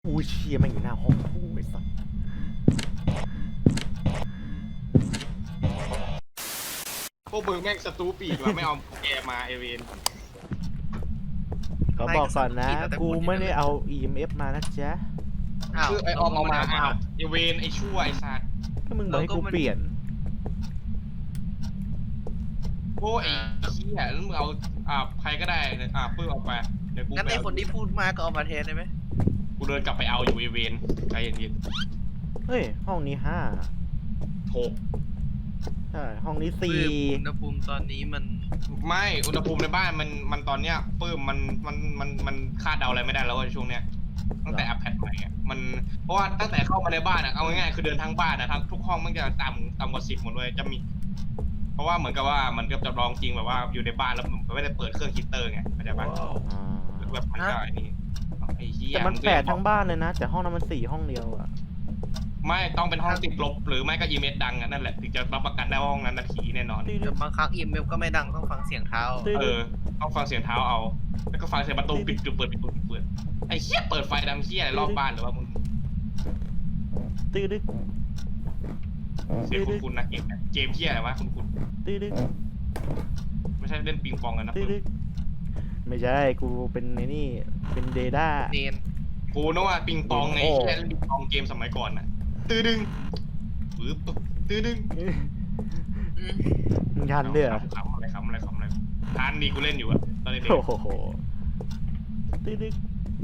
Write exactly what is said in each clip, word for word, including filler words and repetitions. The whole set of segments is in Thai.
อู้เชียแม่งอยู่หน้าห้องกูไอ้สัสพวกมึงแม่งสตูปีกว่ะไม่เอาแกมาเอเวนเขาบอกก่อนนะกูไม่ได้เอา อี เอ็ม เอฟ มานะจ๊ะคือไอออมเอามาอ้าวเอเวนไอชั่วไอสัตว์ก็มึงบอกให้กูเปลี่ยนโอ้ไอเหี้ยแล้วมึงเอาอ่าใครก็ได้อ่าปื้มเอาไปเดี๋ยวกูงั้นไปไอเอาคนที่พูดมากก็เอามาแทนได้ไหมกูเดินกลับไปเอาอยู่เอเวนใจเย็นเฮ้ยห้องนี้ห้าๆหกใช่ห้องนี้สี่อุณหภูมิตอนนี้มันไม่อุณหภูมิในบ้านมันมันตอนเนี้ยปื้มมันมันมันมันคาดเดาอะไรไม่ได้แล้วในช่วงเนี้ยตั้งแต่อัปเดตใหม่อ่ะมันเพราะว่าตั้งแต่เข้ามาในบ้านอ่ะเอาง่ายๆคือเดินทั้งบ้านอ่ะทั้งทุกห้องมันจะต่ำต่ำกว่าสิบหมดเลยจะมี เพราะว่าเหมือนกับว่ามันก็จะลองจริงแบบว่าอยู่ในบ้านแล้วมันไม่ได้เปิดเครื่องฮีตเตอร์ไงเข้าใจปะอ่าแบบมันก็ไอ้นี่ไอ้เหี้ยแต่มันแปดทั้งบ้านเลยนะ แต่ห้องนั้นมันสี่ห้องเดียวอะไม่ต้องเป็นห้องติดลบหรือไม่ก็อีเมลดังอ่ะนั่นแหละถึงจะรับประกันได้ว่าห้องนั้นนาทีแน่นอนตื้อแต่บางครั้งอีเมลก็ไม่ดังต้องฟังเสียงเท้าเออต้องฟังเสียงเท้าเอา แล้วก็ฟังเสียงประตูปิดปิดเปิดปิดเปิดปิดเปิดไอ้เหี้ยเปิดไฟดำเหี้ยอะไรรอบบ้านหรือว่ามึงตื้อดึกเสียงคุณคุณนะเกมเนี่ยเกมเหี้ยอะไรวะคุณคุณตื้อดึกไม่ใช่เล่นปิงปองกันนะตื้อดึกไม่ใช่กูเป็นไอ้นี่เป็นเดด้าเนนกูนึกว่าปิงปองไงเหี้ยเล่นปิงปองเกมสมัยก่อนน่ะตื้อดึงปึ๊บตื้อดึงมึงทันด้วยเหรอขำอะไรขำอะไรขำอะไรทันดีกูเล่นอยู่อะตอนเด็กโอ้โหตื้อดึก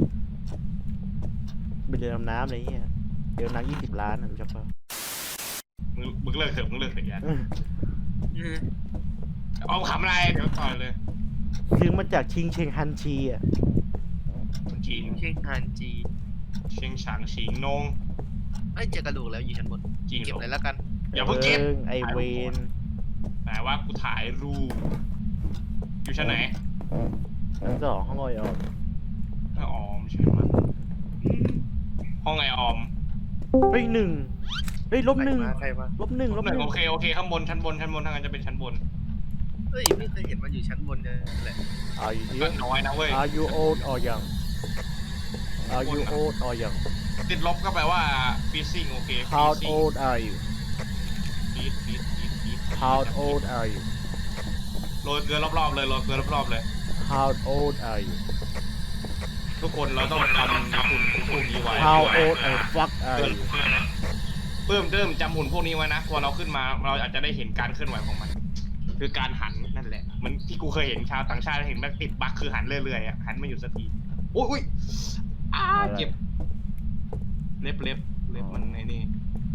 ไปเรือดำน้ำอะไรเงี้ยเดี๋ยวนักยี่สิบล้านนะรู้จักปะมึงมึงเลิกเถอะมึงเลิกเถอะยันอืมเอาขำอะไรเดี๋ยวต่อยเลยซื้อมาจากชิงเชงฮันชีอ่ะคนจีนเชียงฮันจีเชียงฉางฉิงนงไอ้ยเจอกระดูกแล้วอยู่ชั้นบนจริงเก็บเหรอเลยแล้วกันอย่าเพิ่งเก็บไอเวนแต่ว่ากูถ่ายรูปอยู่ชั้นไหนชั้นสองห้องออยออกห้องออมใช่ไหมห้องไอออมเฮ้ยหนึ่งเฮ้ยลบหนึ่งใครมาใครมาลบหนึ่งลบหนึ่งโอเคโอเคข้างบนชั้นบนชั้นบนทางนั้นจะเป็นชั้นบนเฮ้ยไม่เคยเห็นมันอยู่ชั้นบนเลยแหละ Are you ก็ here น้อยนะเว้ย Are you old or young Are you old or young ติดลบก็แปลว่า freezing โอเค How freezing old are you freeze freeze freeze freeze How old are you โรยเกลือรอบๆเลยโรยเกลือรอบๆเลย How old are you ทุกคนเราต้องจำหุ่นพวกนี้ไว้ How old and fuck are you เพิ่มเติมจำหุ่นพวกนี้ไว้นะพอเราขึ้นมาเราอาจจะได้เห็นการเคลื่อนไหวของมัน คือการหันนั่นแหละเหมือนที่กูเคยเห็นชาวต่างชาติเห็นมันติดบั๊กคือหันเรื่อยๆอ่ะหันไม่หยุดสักทีโอ้ยอุ้ยอ้าเจ็บเล็บเล็บเล็บมันไอ้นี่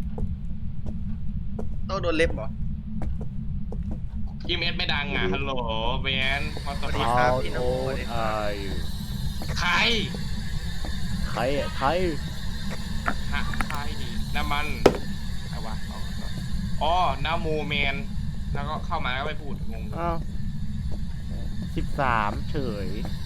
ต้องโดนเล็บเหรออีเมสไม่ดังอ่ะฮัลโหลแบนมาตอนสวัสดีนี้ครับ How พี่น้อง old are you ใครใครอะใครฮะใครดีน้ำมันใครวะอ๋อน้ำมูแมนแล้วก็เข้ามาแล้วไม่พูดงงอ้าวสิบสามเฉย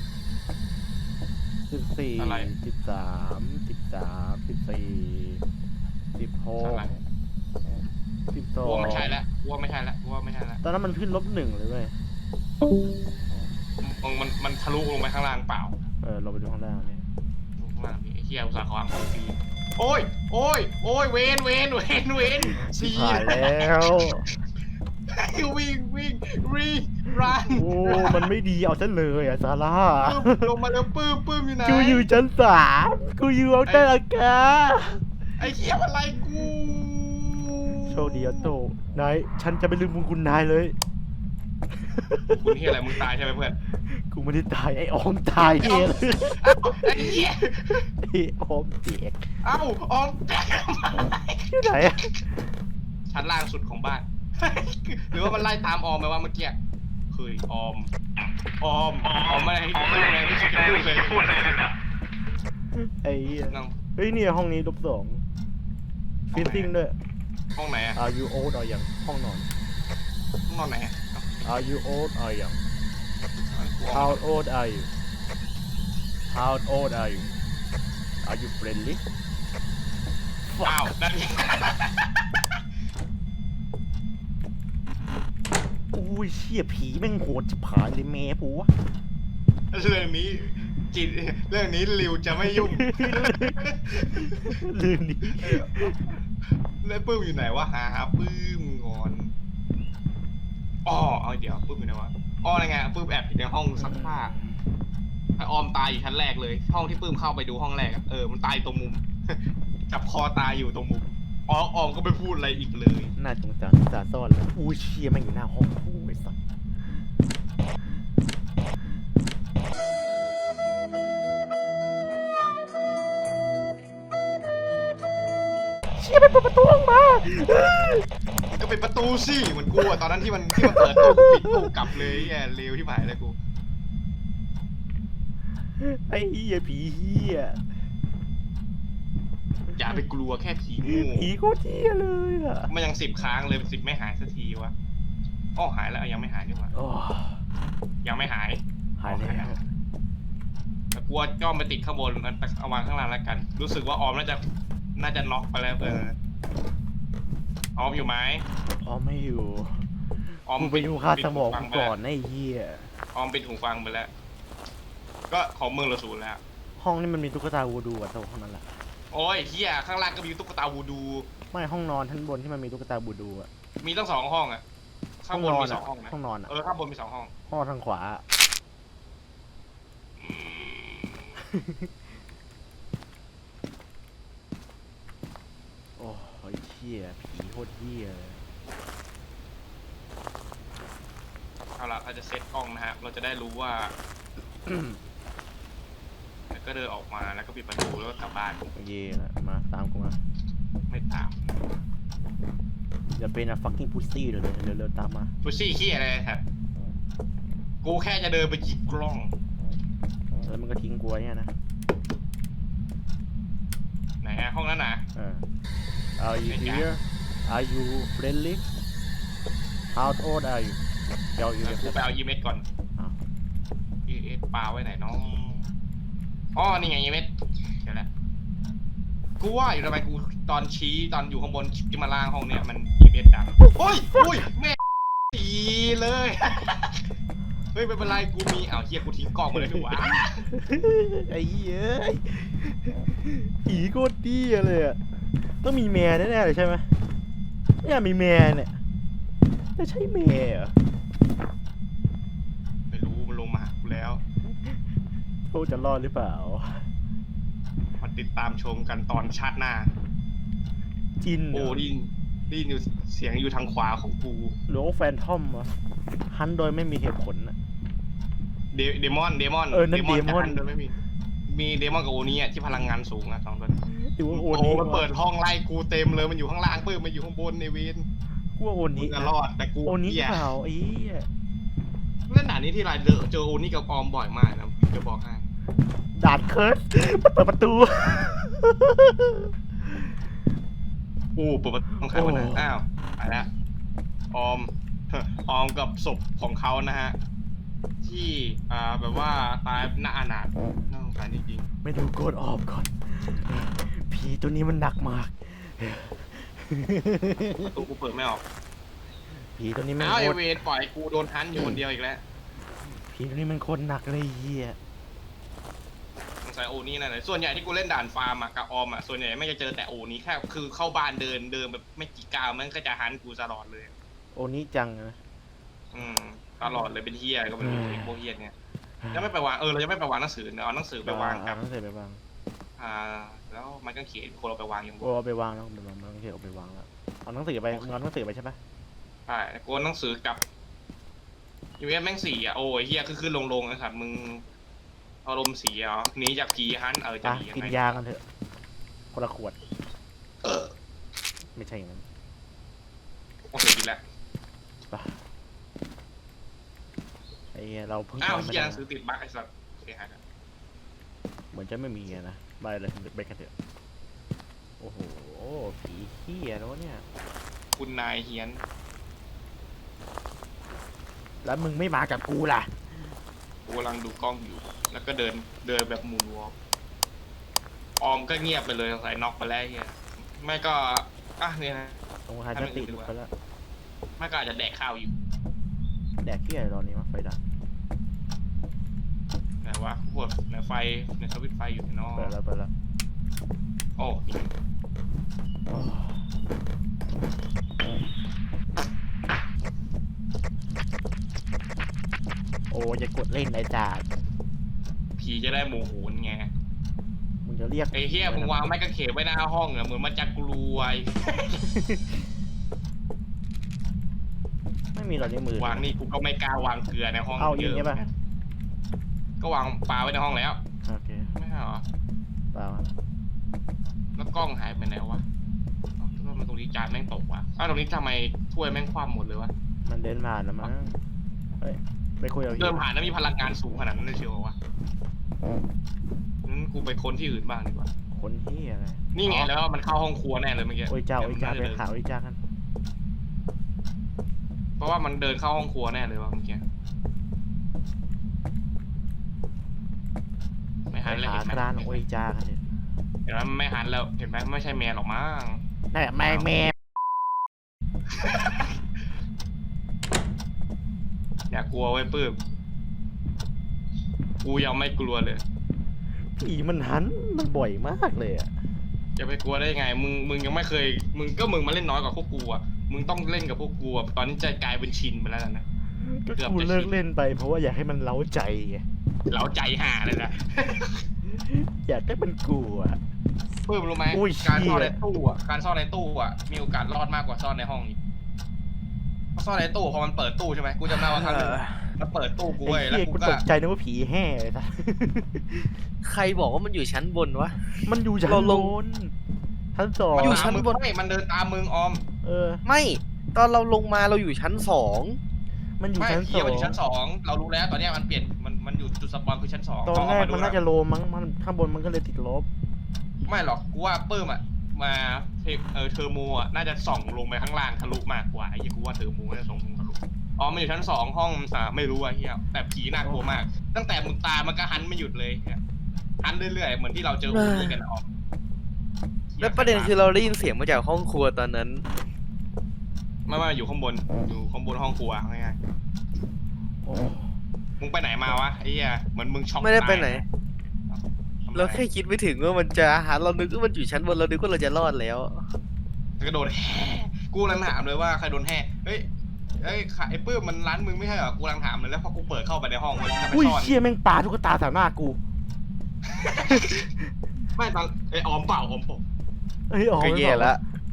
สิบสี่สิบสามสิบสามสิบสี่สิบหกอะไรสิบสองวัวไม่ใช่แล้ววัวไม่ใช่แล้ววัวไม่ใช่แล้วตอนนั้นมันขึ้นลบหนึ่งเลยเว้ยมันมันมันทะลุลงไปข้างล่างเปล่าเออเราไปดูข้างล่างเนี่ยข้างล่างนี่ไอ้เหี้ยอุตสาห์ขวางของฟรีโอ้ยโอ้ยโอ้ยเวนเวนเวนเวนชิบหายแล้ววิ่งวิ่งวิ่งรันโอ้มันไม่ดีเอาซะเลยอ่ะซาร่าปื้มลงมาแล้วปื้มปื้มอยู่ไหนกูอยู่ชั้นสามกูอยู่เอาแต่ละกาไอ้เหี้ยอะไรกูโชคดีอ่ะโตนายฉันจะไม่ลืมบุญคุณนายเลยคุณเหี้ยอะไรมึงตายใช่ไหมเพื่อนกูไม่ได้ตายไอ้ออมตายเองไอ้เหี้ยไอ้ออมเจ็กเอ้าออมแตกที่ไหนอะชั้นล่างสุดของบ้าน หรือว่ามันไล่ตามออมไปว่าเมื่อกี้เคยออมออมออมอะไรออมอะไรไม่คิดจะพูดเลยไอ้เหี้ยนั่งเฮ้ยเนี่ยห้องนี้ลบสองฟิซซิ่งด้วยห้องไหนอะ Are you old or young ห้องนอนห้องนอนไหนอะ Are you old or young How old are you How old are you Are you friendly ว้าวนั่นอุ้ยเชี่ยผีแม่งโหดจะผายเลยแม่ผัวเรื่องนี้จิตเรื่องนี้ริวจะไม่ยุ่งลืมดิแล้วปื้มอยู่ไหนวะหาหาปื้มงอนอ๋อเอาเดี๋ยวปื้มอยู่ไหนวะอ๋ออะไรไงปื้มแอบอยู่ในห้องซักผ้าไอออมตายอยู่ชั้นแรกเลยห้องที่ปื้มเข้าไปดูห้องแรกอะเออมันตายตรงมุม จับคอตายอยู่ตรงมุมอ๋อออมก็ไม่พูดอะไรอีกเลยน่าสงสารสาซ่อนแล้วอู้เชียแม่งอยู่หน้าห้องกูไอ้สัสเชียไปเปิดประตูออกมาก็เป็นประตูสิเหมือนกูอะตอนนั้นที่มันที่มันเปิดตู้กูปิดตู้กลับเลยแย่เร็วที่หายเลยกูไอ้เหี้ยผีเหี้ยอย่าไปกลัวแค่ผีงูผีโคตรเหี้ยเลยอะมันยังสิบค้างเลยสิบไม่หายสักทีวะอ๋อหายแล้วยังไม่หายนี่หว่าโอ้ยังไม่หายหายแล้วแต่กลัวจ้อมไปติดข้างบนเอาวางข้างล่างแล้วกัน รู้สึกว่าออมน่าจะน่าจะน็อกไปแล้วเออออมอยู่ไหมอ๋อไม่อยู่ออมกูไปดูค่าสมองปิดหูฟักูไปก่แล้วอนไอ้เหี้ยออมปิดหูฟังไปแล้ว ก็ของมึงเราศูนย์แล้วห้องนี้มันมีตุ๊กตาวูดูอ่ะตัวห้องนั้นแหละโอ้ยเฮียข้างล่างก็มีตุ๊กตาวูดูไม่ห้องนอนชั้นบนที่มันมีตุ๊กตาวูดูอ่ะมีตั้งสองห้องอะข้างบนมีสองห้องนะห้องนอนอ่ะเออข้างบนมีสองห้องห้องทางขวา โอ้ยเหี้ยผีโคตรเหี้ยเลยเอาล่ะเราจะเซตกล้องนะฮะเราจะได้รู้ว่า แล้วก็เดินออกมาแล้วก็ปิดประตูแล้วก็กลับบ้านเย่ละมาตามกูมาไม่ตามอย่าเป็นอะ fucking pussy เดี๋ยวเลยเร็วๆตามมาพุชชี่ขี้อะไรครับกูแค่จะเดินไปหยิบกล้องแล้วมันก็ทิ้งกูไว้เนี่ยนะไหนฮะห้องนั้นนะเออ Are you here Are you friendly How old are you เดี๋ยวอยู่เดี๋ยวกูไปเอายีเมสก่อนอ้าวยีเอสปลาไว้ไหนน้องอ๋อนี่ไงยีเมสเดี๋ยวนะกูว่าอยู่ทำไมกูตอนชี้ตอนอยู่ข้างบนที่มาล่างห้องเนี่ยมันยีเมสดังโอ้ยโอ้ยแม่ตีเลย เฮ้ยไม่เป็นไรกูมีอ้าวเฮียกูทิ้งกล้องไปเลยดีกว่าไอ้เหี้ยผีโคตรดีเลยอ่ะต้องมีแม่แน่ๆเลยใช่ไหมเนี่ยมีแม่เนี่ยจะใช่แม่เหรอไม่รู้มันลงมาหากูแล้วเขาจะรอดหรือเปล่ามาติดตามชมกันตอนชาติหน้าจินเหรโอ้ดินดินอยู่เสียงอยู่ทางขวาของกูหรือว่าแฟนทอมวะฮันโดยไม่มีเหตุผลอะเดเดมอนเดมอนเออนั่นจะเดมอนหัโดยไม่มีมีเดมอนกับโอนี้อะที่พลังงานสูงอะสองตัวหรือว่าโอโอ้นี้มันเปิดห้องไล่กูเต็มเลยมันอยู่ข้างล่างปื้มมันอยู่ข้างบนในเวนกูว่าโอมึนี้งจะรอดแต่กูโอนี้เหี้ยเปล่าไอ้เหี้ยเล่นหนานี้ที่ไรเจอเจอโอนี้กับออมบ่อยมากนะจะบอกให้ดาดเคิร์ดมันเปิดประตูโอ้เปิดประตูต้องใครวะนะอ้าวไปละออม ออมกับศพของเขานะฮะที่อ่าแบบว่าตายหน้าอนาถน่าสงสารจริงไม่ดูโกดออกก่อน ผีตัวนี้มันหนักมากๆประตูกูเปิดไม่ออกผีตัวนี้มันอ้าวโคไอตรเวนปล่อยกูโดนทันอยู่คนเดียวอีกแล้วผีตัวนี้มันโคตรหนักเลยเหี้ยสงสัยโอนี้นั่นแหละส่วนใหญ่ที่กูเล่นด่านฟาร์มอะกับออมอะส่วนใหญ่ไม่จะเจอแต่โอนี้แค่คือเข้าบ้านเดินเดินแบบไม่กี่ก้าวมันก็จะหันกูตลอดเลยโอนี้จังนะอืมตลอดเลยเป็นเฮียก็เป็นไอ้พวกเฮียเนี่ยจะไม่ไปวางเออเราจะไม่ไปวางหนังสือเนอะเอาหนังสือไปวางกับหนังสือไปวางอ่าแล้วมันก็เขียนคนเราไปวางอย่างบโอ้เอาไปวางแล้วไปวางหนังสือเอาไปวางแล้วเอาหนังสือไปเอาหนังสือไปใช่ปะใช่โกนหนังสือกับยูเอสแม่งสี่อ่ะโอ้ยเฮียคือขึ้นลงลงนะครับมึงอารมณ์เสียเหรอหนีจากผีฮันเออจะอ่ะหนียังกินไงยากันเถอะคนละขวดเออไม่ใช่อย่างนั้นโอเคกินแล้วปะไอ้เหี้ยเราเพิ่งอ้าวทำไม่เฮียหได้นังสือติดบั๊กไอ้สัสโอเคหายแล้วเหมือนจะไม่มีอะนะไปเลยไปกันเถอะโอ้โหผีเหี้ยแล้วเนี่ยคุณนายเฮียนแล้วมึงไม่มากับกูล่ะกูกำลังดูกล้องอยู่ แล้วก็เดินเดินแบบมูนวอล์กออมก็เงียบไปเลยสงสัยน็อกไปแล้วเฮียไม่ก็อ่ะเนี่ยนะตรงหายสติหลุดไปแล้วไม่ก็อาจจะแดกข้าวอยู่แดกเหี้ยอะไรตอนนี้วะไฟดับนะวะพวกในไฟในสวิตช์ไฟอยู่ในนอกไปแล้วไปแล้วโอ้นี่โอ้อย่ากดเล่นไอ้จ่าผีจะได้โมโหนไงมึงจะเรียกไอ้เฮียมึงวางไม้กางเขนไว้หน้าห้องอะเหมือนมันจะกลัวไม่มีหรอกในมือวางนี่กูก็ไม่กล้าวางเกลือในห้องเอาเยยิงอะใช่ปะก็วางปลาไว้ในห้องแล้วโอเคไม่ใช่เหรอเปล่าแล้วกล้องหายไปไหนวะเอ้าทำไมตรงนี้จานแม่งตกวะอ้าวตรงนี้ทำไมถ้วยแม่งคว่ำหมดเลยวะมันเดินผ่านแล้วมั้งเฮ้ยไปคุยกับเดินผ่านแล้วมีพลังงานสูงขนาดนั้นเลยเชียววะงั้นกูไปค้นที่อื่นบ้างดีกว่าคนที่อะไรนี่ไงแล้วมันเข้าห้องครัวแน่เลยเมื่อกี้โอ้ยเจ้าโอ้ยเจ้าไปเดินข่าวโอ้ยเจ้ากันเพราะว่ามันเดินเข้าห้องครัวแน่เลยวะเมื่อกี้ไม่ไปหันเลยหาเห็นไหมกรานโอ้ยเจ้ากันเนี่ยเห็นไหมไม่หันแล้วเห็นไหมไม่ใช่แมวหรอกมั้งนั่นแหละแม่แม่อย่ากลัวไว้ปื้มกูยังไม่กลัวเลยผีมันหันมันบ่อยมากเลยอ่ะจะไปกลัวได้ไง มึง มึงยังไม่เคย มึงก็มึงมาเล่นน้อยกว่าพวกกูอ่ะ มึงต้องเล่นกับพวกกูอ่ะ ตอนนี้ใจกลายเป็นชินไปแล้วนะก็เกือบกูจะเลิกชินเล่นไปเพราะว่าอยากให้มันเล้าใจไงเราใจห่าเลยนะอยากให้มันกลัวเพิ่มรู้ไหมอุ้ยการซ่อนเชี่ยในตู้อ่ะ การซ่อนในตู้อ่ะ มีโอกาสรอดมากกว่าซ่อนในห้องอีกเพราะซ่อนในตู้พอมันเปิดตู้ใช่ไหมกูจำได้ว่าครั้งหนึงมันเปิดตู้กูไอ้เว้ยแล้วเหี้ยกูกูก็ตกใจนึกว่าผีแห่เลยสัสใครบอกว่ามันอยู่ชั้นบนวะมันอยู่ชั้นเราลบงนชั้นสองมันอยู่ตามชั้นมึงบนไม่มันเดินตามมึงออมเออไม่ตอนเราลงมาเราอยู่ชั้นสองมันอยู่ไม่ชั้นผีสอมันงอยู่ชั้นสองเรารู้แล้วตอนเนี้ยมันเปลี่ยน มัน มันอยู่จุดสปอนคือชั้นสองตอนเอแรกมาดูมันแล้วน่าจะโลมั้งมันข้างบนมันก็เลยติดลบไม่หรอกกูว่าปื้มอ่ะมาเทเออเทอร์โมอ่ะน่าจะส่องลงไปข้างล่างทะลุมากกว่าไอ้เหี้ยกูว่าเทอร์โมน่าจะส่องลงทะลุอ๋อมันอยู่ชั้นสองห้องอ่าไม่รู้อ่ะเฮียแต่ผีน่ากลัวมาก ตั้งแต่มึงตายมันก็หันไม่หยุดเลยเหี้ยหันเรื่อยๆเหมือนที่เราเจอโอนี่กันออกแล้วประเด็นคือเราได้ยินเสียงมาจากห้องครัวตอนนั้นไม่ไม่อยู่ข้างบนอยู่ข้างบนห้องครัวง่ายโอ้ๆมึงไปไหนมาวะไอ้เหี้ยเหมือนมึงช็อกไม่ได้ไปไหนตายทำไมเราแค่คิดไม่ถึงว่ามันจะหาเรานึกว่ามันอยู่ชั้นบนเรานึกว่าเราจะรอดแล้วกระโดดแห่กูกำลังถามเลยว่าใครโดนแห่เฮ้ยเฮ้ยไอ้ปื้มมันร้านมึงไม่ใช่เหรอกูกำลังถามเลยแล้วพอกูเปิดเข้าไปในห้องมันจะไปอุ้ยซ่อนเชี่ยแม่งปาตุ๊กตาใส่หน้ากูไม่ตอนไอ้ออมเปล่าออมผมเฮ้ยอ๋อก็แย่ละ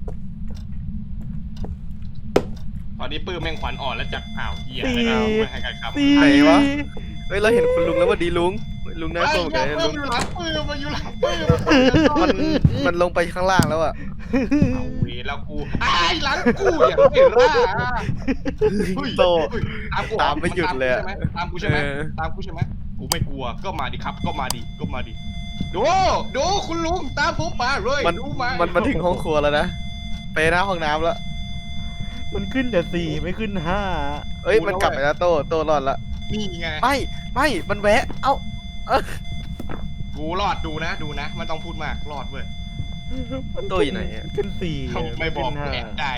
ตอนนี้ปื้มแม่งขวัญอ่อนแล้วจับอ้าวเหี้ยอะไรนะไม่ให้ใครครับตีไหนวะ เฮ้ยเราเห็นคุณลุงแล้วว่าดีลุงลุงน่าไอ้โกรธเหี้เลย ยปื้ลุมงอยู่หลังปื้มมาอยู่หลังปื้มมันมันลงไปข้างล่างแล้วอะเอาเวแล้วกูไอ้หลังกูอย่างเห็นล่ะเฮ้ยโตเฮ้ยตามกูตามไม่หยุดเลยอะตามกูใช่ไหมเออตามกูใช่ไหมกูไม่กลัวก็มาดิครับก็มาดิก็มาดิดูดูคุณลุงตามผมมาเลยมันดูมามันมาถึงห้องครัวแล้วนะไปหน้าห้องน้ำแล้วมันขึ้นแต่สี่ไม่ขึ้นห้าเอ้ยมันกลับไปแล้วโตโตรอดละนี่ไงไม่ไม่มันแวะ เอ้ากูรอดดูนะดูนะมันต้องพูดมากรอดเว้ยโตอยู่ไหนอะขึ้นสี่ไม่บอกขึ้นห้าแอบได้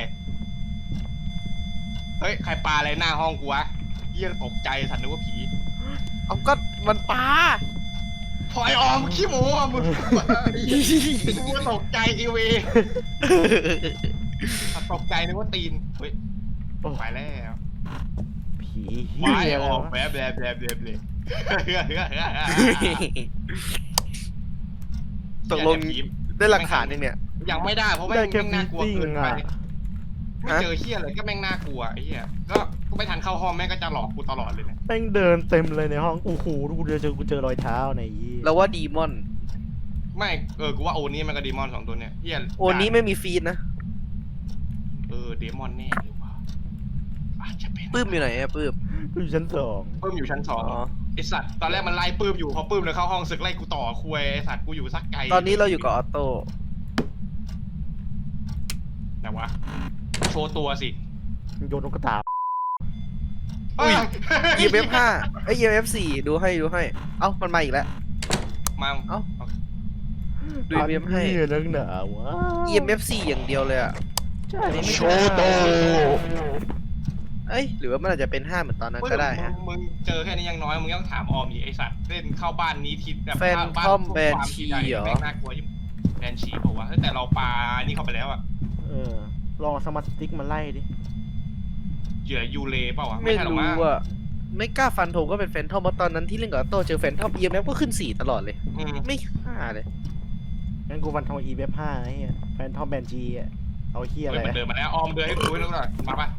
เฮ้ยใครปาอะไรหน้าห้องกูวะเยี่ยตกใจสันนึกว่าผีเอาก็มันปลาพลอยออมขี้โม้อะมึงกูตกใจอีเวตกใจนึกว่าตีนเฮ้ยโอ้ไปแล้วผีไม้เหี้ยออกแบบแบบแบบแบบเลยตกลงได้หลักฐานยังเนี่ยยังไม่ได้เพราะแม่ได้งแค่แม่งฟิน่ากลัวซซิ่งเกินไปอ่ะไม่เจอเฮียอะไรก็แม่งน่ากลัวไอ้เฮียก็กูไม่ทันเข้าห้องแม่งก็จะหลอกกูตลอดเลยเนี่ยแม่งเดินเต็มเลยในห้องโอ้โหกูเจอเจอกูเจอรอยเท้าในยี่เราว่าดีมอนไม่เออกูว่าโอนี่มันก็ดีมอนสองตัวเนี่ยเฮียโอนี้ไม่มีฟีดนะเออเดมอนแน่เลยว่ะอาจจะเป็นปื้มอยู่ไหนอะปื้มกูอยู่ชั้นสองปื้มอยู่ชั้นสองอ๋อไอสัตว์ตอนแรกมันไล่ปื้มอยู่พอปื้มเลยเข้าห้องศึกไล่กูต่อคุยไอสัตว์กูอยู่สักไกลตอนนี้เราอยู่กับออโต้แต่วะโชว์ตัวสิโยนนกกระตาอุ้ย อี เอฟ เอฟ ห้าไอย อี เอฟ เอฟ สี่ดูให้ดูให้ เอ้ามันมาอีกแล้วมาเอ้า ดู อี เอฟ เอฟ ให้เรื่องหนาวะอี เอฟ เอฟ สี่อย่างเดียวเลยอะใช่ไม่ใช่โชว์โตเอ้ยหรือว่ามันอาจจะเป็นห้าเหมือนตอนนั้นก็ได้มึฮะงมึงเจอแค่นี้ยังน้อยมึงต้องถามออมดิไอสัตว์เล่นเข้าบ้านนี้ทิศแบบแฟนบ้านทอมพวกแบนฟาร์มชีใหญ่เหรอแม่งน่ากลัวยิ่งแบนชีบอกว่าเฮ้ยแต่เราปานี่เข้าไปแล้วอะเออ ลองเอาสมาร์ทสติ๊กมาไล่ดิเหยื่อยูเลเปล่าวะไม่ใช่หรอกรู้มั้งอ่ะไม่กล้าฟันธงก็เป็นแฟนทอมเพราะตอนนั้นที่เล่นกับออโต้เจอแฟนทอม อี เอ็ม เอฟ ก็ขึ้นสี่ตลอดเลยอืมไม่ห้าเลยงั้นกูฟันทองอีเวฟห้าไอ้เหี้ยแฟนทอมแบนจีอ่ะ เอาเฮียอะไรเฮ้ยมันอะเดินมาแล้วออมเดินให้กูให้ดูหน่อยมาปะ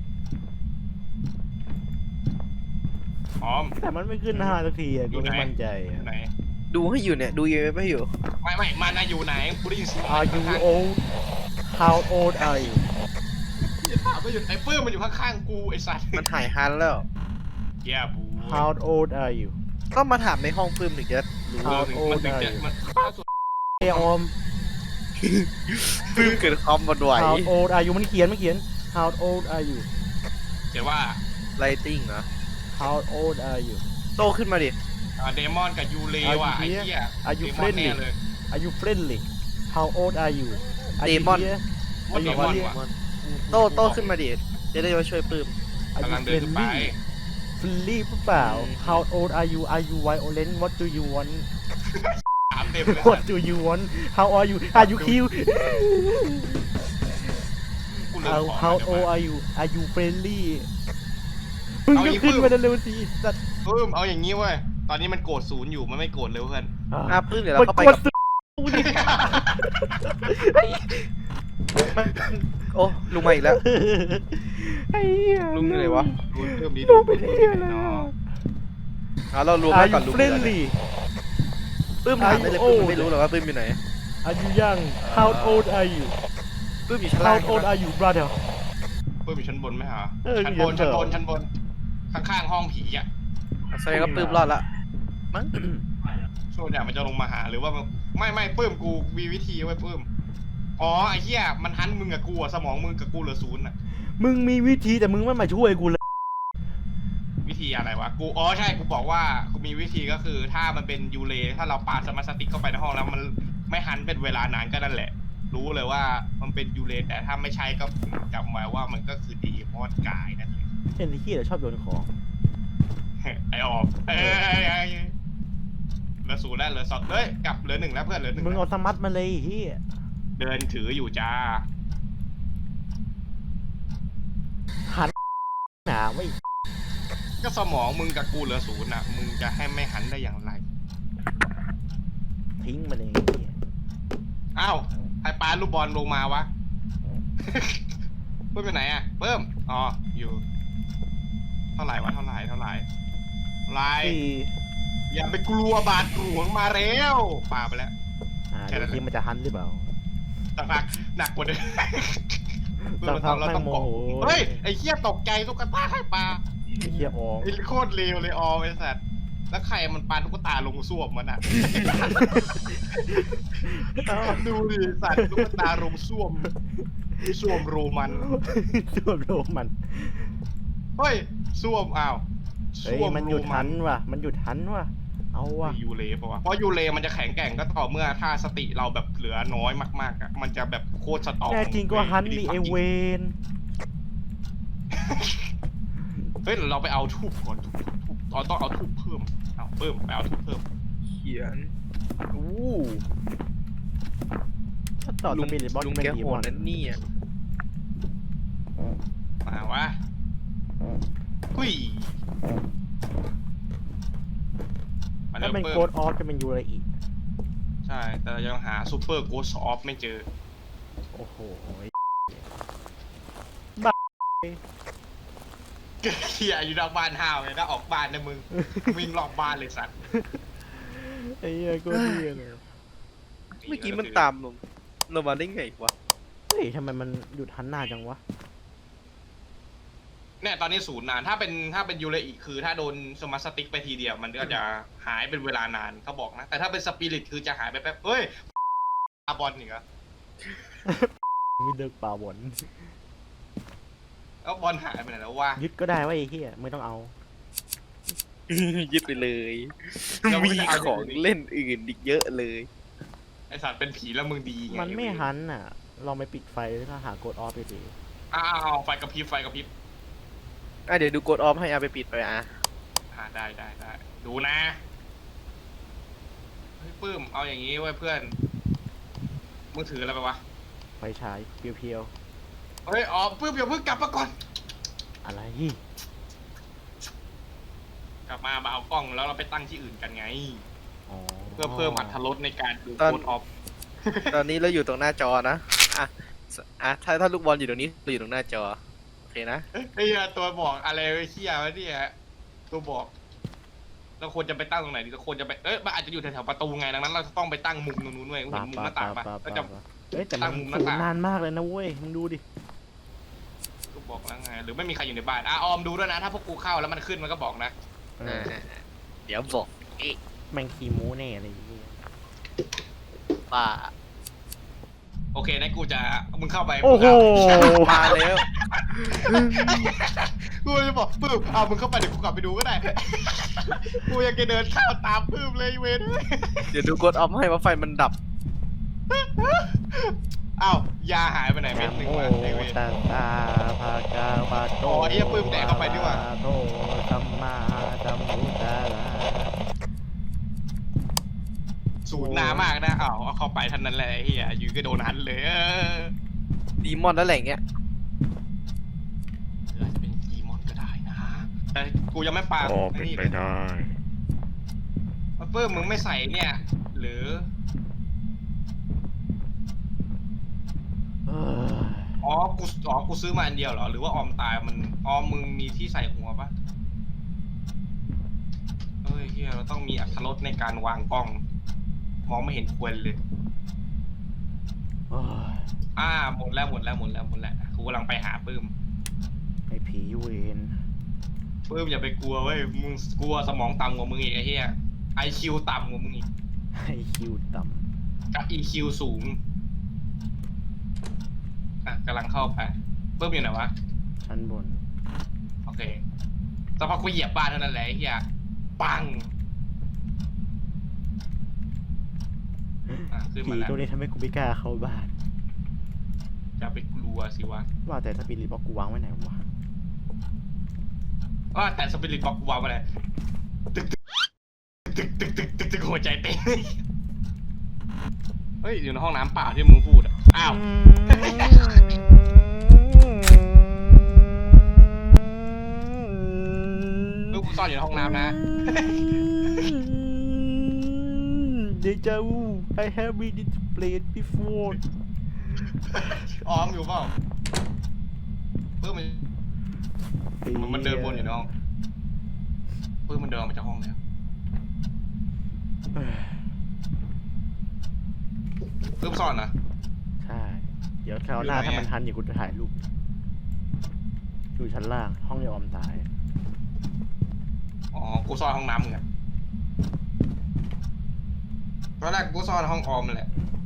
ออมแต่มันไม่ขึ้นห้าสักทีอ่ะ กูไม่มั่นใจออะยู่ไหนดูให้อยู่เนี่ย ดู อี เอ็ม เอฟ ให้อยู่ไม่ไม่มันน่ะอยู่ไหนกูได้ยินเสียง Are you old How old are you ถามว่าอยู่ไอ้ปื้มมันอยู่ข้างๆกูไอ้สัตว์มันหายฮันแล้วแย่บู How old are you ต้องมาถามในห้องปื้มถึงจะรู้เออถึงมันถึงจะมันเอยออมปื้มเกิดความหวั่นไหว How old are you มันเขียนมันเขียน How old are you เขียนว่าไลติ้งเหรอ How old are you โตขึ้นมาดิเดมอนกับยูเลว่ะไอ้เหี้ย Are you เดมอนแน่ friendly เลย Are you friendly How old are you Are you Demon here ว่า Are เด you มอน here ว่ะโตโตขึ้นมาดิจะได้มาช่วยปื้ม Are กำลั you งเดินขึ้นไป friendly friendly หรือเปล่า How old are you Are you violent What do you want ถามเต็มเลย What do you want How are you Are you cute กูเริ่ม How ขอ How เดี๋ยว old มา are you Are you friendly มึงเอาก็อีกขึ้นปึ๊บมาเร็วๆสิสัตว์เพิ่มเอาอย่างงี้เว้ยตอนนี้มันโกรธศูนย์อยู่มันไม่โกรธเลยเพื่อนอ่ะปื้มเดี๋ยวเราเข้าไปมันกับกดกูดิมันโอ้ลุงมาอีกแล้วไอ้เหี้ยลุงอยู่ไหนวะดูเพิ่มนี้ลุงไปเที่ยวแล้วเนาะเอาเรารวม Are กันก่อน you ลุงอยู่ไหน friendly ปื้มถามไปเลย Are you ปื้มไม่รู้หรอกว่าปื้มอยู่ไหน Are you young How old are you ปื้มอยู่ชั้นล่าง How old are you brother เพิ่มอยู่ชั้นบนไหมฮะเออชั้นอยู่บนชั้ชั้นนเดิบมนชั้นบนข้างๆห้องผีอ่ะแสดงว่าปื้มรอดละมั้งส่วนใหญ่มันจะลงมาหาหรือว่ามันไม่ไม่ปื้มกูมีวิธีไว้ปื้มอ๋อไอ้เหี้ยมันหันมึงกับกูอะสมองมึงกับกูเหลือศูนย์อะมึงมีวิธีแต่มึงไม่มาช่วยกูเลยวิธีอะไรวะกูอ๋อใช่กูบอกว่ากูมีวิธีก็คือ ถ้ามันเป็นยูเลถ้าเราปาสมาร์ทสติ๊กเข้าไปในห้องแล้วมันไม่หันเป็นเวลานานก็นั่นแหละ รู้เลยว่ามันเป็นยูเลแต่ถ้าไม่ใช่ก็จำไว้ว่ามันก็คือดีมอดกายนั่นแหละเป็นที่เดี๋ยวชอบโยนของไอออมเอ้ยเอ้ยเอ้ยเหลือศูนย์แล้วเหลือสองเฮ้ยกลับเหลือหนึ่งแล้วเพื่อนเหลือหนึ่งมึงแล้วเอาสมัตมาเลยเฮียเดินถืออยู่จ้าหันหนาไว้ก็สมองมึงกับกูเหลือศูนย์อ่ะมึงจะให้ไม่หันได้อย่างไรทิ้งมาเลยเหี้ยอ้าวใครปาลูกบอลลงมาวะ เพิ่มไปไหนอ่ะเพิ่มอ๋ออยู่ เท่าไหร่วะเท่าไหร่เท่าไหร่ไรสี่อย่าไปกลัวบาดหลวงมาแล้วปาไปแล้วอ่าแค่นั้นดูสิมันจะหันหรือเปล่าสักพักหนักกว่าเดิมสักพักเราต้องแม่งโมบอกโหเฮ้ยไอ้เหี้ยตกใจตุ๊กตาใครปาไอ้เฮียออกไอ้โคตรเลวเลยออมไอ้สัตว์แล้วใครมันปาตุ๊กตาลงส้วมมันอ่ะ ดูดิสัตว์ตุ๊กตาลงส้วมส้วมโรมันส่วนโรมันเฮ้ยส้วมอ้าวเฮ้ยมันหยุดหันว่ะ มันหยุดหันว่ะ เอาว่ะยูเลปะวะเพราะยูเลมันจะแข็งแกร่งก็ต่อเมื่อถ้าสติเราแบบเหลือน้อยมากๆอ่ะมันจะแบบโคตรสตรองแน่จริงก็หันดิเอเวนเฮ้ยเราไปเอาทูบก่อนทูบทูบเราต้องเอาทูบเพิ่มเอาเพิ่มไปเอาทูบเพิ่มเขียนอู้ถ้าต่อสปิริตบอลลุงเป็นแกดีโหมอดนนั่นนี่อ่ะมาวะหุยมาถ้าเริ่มเป็นเพิ่โกมดออฟจะเป็นยูไรอีกใช่แต่ยังหาซูเปอร์โกสออฟไม่เจอโอ้โหเฮียอยู่นอกบ้านห้าวเลยถ้าออกบ้านนะมึงวิ่งรอบบ้านเลยสัตว์ไอ้เหี้ยก็เหี้ยเลยเมื่อกี้มันตามลงเรามาได้ไงวะเฮ้ยทำไมมันหยุดหันหน้าจังวะเนี่ยตอนนี้ศูนย์นานถ้าเป็นถ้าเป็นยูเรอีคือถ้าโดนสมาร์ทสติ๊กไปทีเดียวมันก็จะหายเป็นเวลานานเขาบอกนะ แต่ถ้าเป็นสปิริตคือจะหายไปแป๊บเฮ้ยอาบอลนี่ก็มีเลิกป่าบนแล้วบอลหายไปไหนแล้ววะยึดก็ได้ว่าไอ้เหี้ยไม่ต้องเอายึดไปเลยยังไม่มีได้เอาของเล่นอื่นอีกเยอะเลยไอสัตว์เป็นผีแล้วมึงดีไงมันไม่หันอ่ะ เราไม่ปิดไฟถ้าหาโกดออฟไปดิอ้าวไฟกระพริบไฟกระพริบอ่ะเดี๋ยวดูกดออฟให้เอาไปปิดไปอ่ะอ่าได้ได้ได้ดูนะเฮ้ยปื้มเอาอย่างนี้ไว้ยเพื่อนมือถืออะไรไปวะไฟฉายเพียวเฮ้ยอ๋อปื้มอย่าเพิ่งกลับมาก่อนๆอะไรกลับมามาเอากล้องแล้วเราไปตั้งที่อื่นกันไงอ๋อเพื่อเพิ่มอรรถรสในการดูตอนโค้ดออฟตอนนี้เราอยู่ตรงหน้าจอนะอ่ะสอ่ะถ้าถ้าลูกบอลอยู่ตรงนี้เราอยู่ตรงหน้าจอโอเคนะไอ้เหี้ยตัวบอกอะไรไอ้เหี้ยวะเนี่ยตัวบอกเราควรจะไปตั้งตรงไหนดีเราควรจะไปเอ้ยมันอาจจะอยู่แถวๆประตูไงดังนั้นเราจะต้องไปตั้งมุมตรงนู้นเว้ยเห็นมุมหน้าต่างปะก็จะเอ้ยแต่ตั้มันงมุมหน้าสูงต่างนานมากเลยนะเว้ยมึงดูดิตัวบอกแล้วไงหรือไม่มีใครอยู่ในบ้านอ่ะออมดูด้วยนะถ้าพวกกูเข้าแล้วมันขึ้นมันก็บอกนะเออ่าอเดี๋ยวบอกเอ๊ะแม่งขี้โม้แน่อะไรอย่างเงี้ยป้าโอเคนะกูจะมึงเข้าไปโอ้โหมาแล้วกูจะบอกปื้มเอามึงเข้าไปเดี๋ยวกูกลับไปดูก็ได้ กูยังจะเดินเข้าตามปื้มเลยเว้ยเดี๋ยวดูกดออฟให้ว่าไฟมันดับอ้าวยาหายไปไหนเม็ดหนึ่งโอ้วะไอ้เว้ยตาตาภากาปาโตอ๋อไอ้เหี้ยปื้มแดกเข้าไปดีกว่าโตสัมมาสัมพุทธาลาสูญนามากนะอ้าวเอาเข้าไปเท่านั้นแหละไอ้เฮียอยู่ก็โดนหันเลยเออดีมอนแล้วแหละเงี้ยอาจจะเป็นกีมอนก็ได้นะ แต่กูยังไม่ปาก็เป็นไปได้เพิ่มมึงไม่ใส่เนี่ย หรือเอออ๋อกูอ๋อกูซื้อมาอันเดียวเหรอหรือว่าออมตายมันออมมึงมีที่ใส่หัวปะเฮ้ยเฮียเราต้องมีอรรถรสในการวางกล้อง มองไม่เห็นควรเลยเอ้ยอ่าหมดแล้วหมดแล้วหมดแล้วหมดแล้วกูกำลังไปหาปื้มไอ้ผีเวนปื้มอย่าไปกลัวเว้ยมึงกลัวสมองต่ำกว่ามึงอีกไอ้เหี้ยไอคิวต่ำกว่ามึงอีกไอ้คิวต่กับ อี คิว สูงอ่ะกำลังเข้าไปปื้มอยู่ไหนวะำชั้นบนโอเคสักพักกูเหยียบบ้านเท่านั้นแหละไอ้เหี้ยปังอ่ะขึ้นผีมาแล้วตัวนี้ทำให้กูไม่กล้าเข้าบ้านอย่าไปกลัวสิวะว่าแต่สปิริตบอกกูวางไว้ไหนวะว่าแต่สปิริตบอกกูวางไปเลยตึกตึกตึกตึกตึกตึกหัวใจเต้นเฮ้ยอยู่ในห้องน้ำเปล่าที่มึงพูดอ่ะอ้าว ลูกกูซ่อนอยู่ในห้องน้ำนะเดจาวู I have been in this place before ออมอยู่เปล่าเพิ่มมันมันเดินวนอยู่ในห้องเพิ่มมันเดินออกมาจากห้องแล้วเพิ่มซ่อนนะใช่ เดี๋ยวคราวหน้าอยู่ไหนอะถ้ามันทันอย่ากูจะถ่ายรูป อยู่ชั้นล่าง ห้องยอมตายอ๋อกูซ่อนห้องน้ำมึงอะตอนแรกกูซ่อนห้องออมแหละ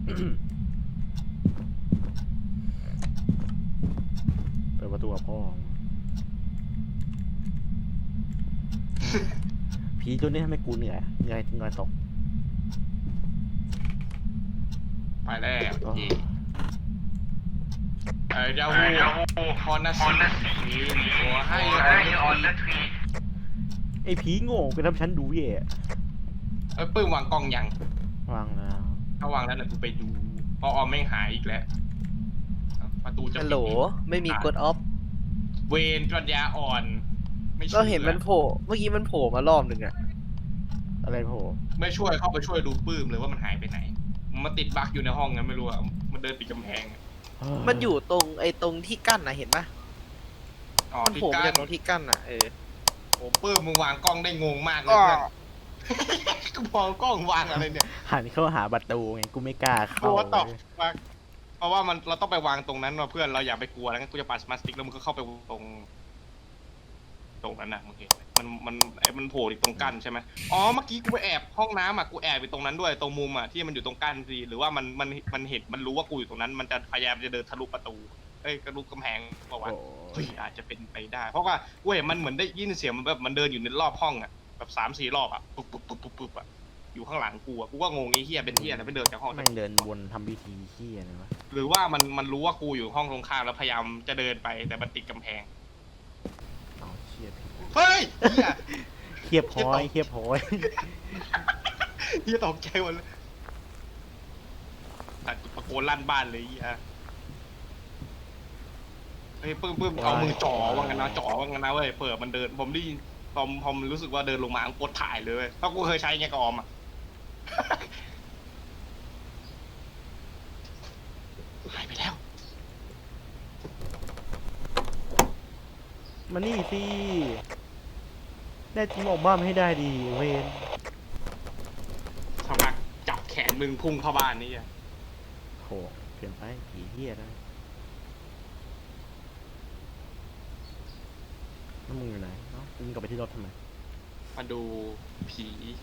เปิดประตูกับพ่อ ผีตัวนี้ทำให้กูเหนื่อยเหนื่อยเหนื่อยตกไปแล้วอ๋อจีเอ้ยเจ้าหูคอนนัสซีหัวให้ออนนัสซีไอ้ผีโง่ไปทำฉันดูแย่เอ้ยปื้มวางกล้องยังวางแล้วถ้าวางแล้วเดี๋ยวกูไปดูเพราะออมไม่งหายอีกแล้วประตูจะฮัลปิดโหลอีกไม่มีกดออฟเวนปัญญาอ่อน ไม่ช่วยเราเห็นมันโผล่เมื่อกี้มันโผล่มารอบหนึ่งอะอะไรโผล่ไม่ช่วยเข้าไปช่วยดูปื้มเลยว่ามันหายไปไหน มันมาติดบั๊กอยู่ในห้องไงไม่รู้อะมันเดินติดกำแพงอะมันอยู่ตรงไอ้ตรงที่กั้นนะเห็นปะอ๋อมันที่โผล่มากั้จาน กตรงที่กั้นอะเออโอ้ปื้มมึงวางกล้องได้งงมากเลยเพื่อนกูมองกล้องวางอะไรเนี่ยหันเข้าหาประตูไง กูไม่กล้าเข้าตัวตอบเลยวางเพราะว่ามันเราต้องไปวางตรงนั้นว่ะเพื่อนเราอย่าไปกลัวแล้วงั้นกูจะปาสมาร์ทสติ๊กแล้วมึงก็เข้าไปตรง ตรงนั้นนะมึงเห็นไหมมันมันไอ้มันโผล่อยู่ตรงกั้นใช่ไหมอ๋อเมื่อกี้กูไปแอบห้องน้ำอ่ะกูแอบอยู่ตรงนั้นด้วยตรงมุมอ่ะที่มันอยู่ตรงกั้นสิหรือว่ามันมันมันเห็นมันรู้ว่ากูอยู่ตรงนั้น มันจะพยายามจะเดินทะลุประตูเอ้ยทะลุกำแพงเปล่าวะโอ้เฮ้ยยอาจจะเป็นไปได้ เพราะว่ากูเห็นมันเหมือนได้ยินเสียงมันแบบมันเดินอยู่ในรอบห้องอ่ะแบบสามสี่รอบอ่ะปุ๊บปุ๊บปุ๊บปุ๊บปุ๊บอ่ะอยู่ข้างหลังกูอ่ะกูก็งงไอ้เฮียเป็นเฮียอะไรไม่เดินจากห้องแม่งเดินวนทำพิธีขี้อะไรวะหรือว่ามันมันรู้ว่ากูอยู่ห้องตรงข้ามแล้วพยายามจะเดินไปแต่มันติดกำแพงเอาชิหี้ยเฮ้ยเฮียเทียบพอยเทียบพอยเฮียตกใจหมดเลยแต่ตะโกนลั่นบ้านเลยเฮียเฮ้ยปื้มปื้มเอามือจ่อว่างั้นนะจ่อว่างั้นนะเว้ยเปิดมันเดินผมได้ยินพอมพอมรู้สึกว่าเดินลงมากดถ่ายเลยเว้ยเพราะกูเคยใช้ไงกับออมอ่ะ หายไปแล้วมานี่สิแน่จริงออกบ้านให้ได้ดีเวนสักพักจับแขนมึงพุ่งเข้าบ้านนี่อ่ะโหเปลี่ยนไปผีเหี้ยนะแล้วมึงอยู่ไหนเนาะมึงกลับไปที่รถทำไมมาดูผี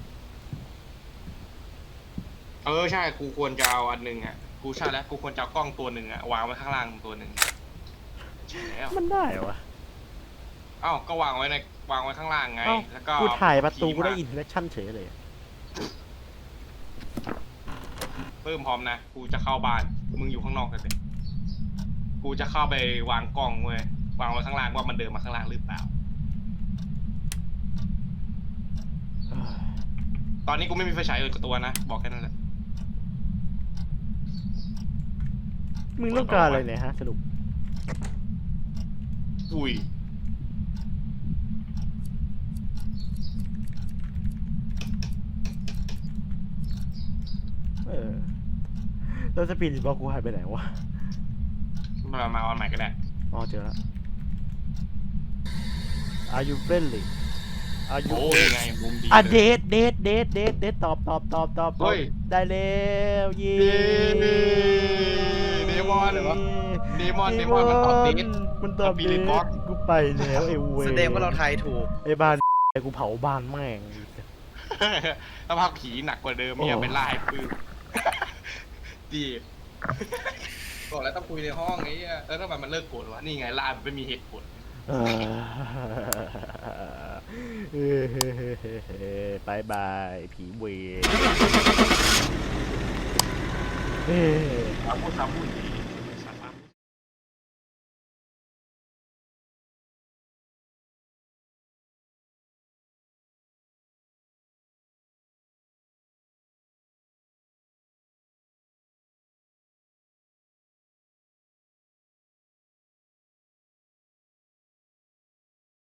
เออใช่กูควรจะเอาอันหนึ่งอ่ะกูใช่แล้วกูควรจะเอากล้องตัวหนึ่งอ่ะวางไว้ข้างล่างตัวหนึ่งใช่แล้วมันได้เหรอวะเอ้าก็วางไว้ในวางไว้ข้างล่างไงเอ้าแล้วก็กูถ่ายประตูผีกูได้มาอินเทอร์แอคชั่นเฉยเลยเพิ่มพร้อมนะกูจะเข้าบ้านมึงอยู่ข้างนอกกันเลยกูจะเข้าไปวางกล้องเว้ยวางไว้ข้างล่างว่ามันเดินมาข้างล่างหรือเปล่า ตอนนี้กูไม่มีไฟฉายอื่นกับตัวนะบอกแค่นั้นแหละมึงต้องการอะไรเนี่ยฮะสรุปอุ้ยเออแล้วสปีดบล็อกกูหายไปไหนวะมามาเอาอันใหม่ก็ได้อ๋อเจอแล้ว Are you friendly Are you โอ้ยไงมุมดีอ่ะเลยเดทเดทเดทเดทเดทตอบตอบตอบตอบตอบเฮ้ยได้แล้วเย้เย้เดมอนเหรอวะ เดมอนเดมอนมันตอบเดทมันตอบสปิเดริทตบล็อกกูไปแล้วไอ้เวแสดงว่าเราทายถูกไอ้บ้านไอ้กูเผาบ้านแม่งถ้าภาคผีหนักกว่าเดิมเนี่ยโอ้เป็นลายปืนดีบอกแล้วต้องคุยในห้องไอ้เหี้ยแล้วทำไมมันเลิกโกรธวะนี่ไงลายมันไม่มีเหตุผลเออบายบายผีเวรเอ้ยเอาพูดซ้ำพูดอีก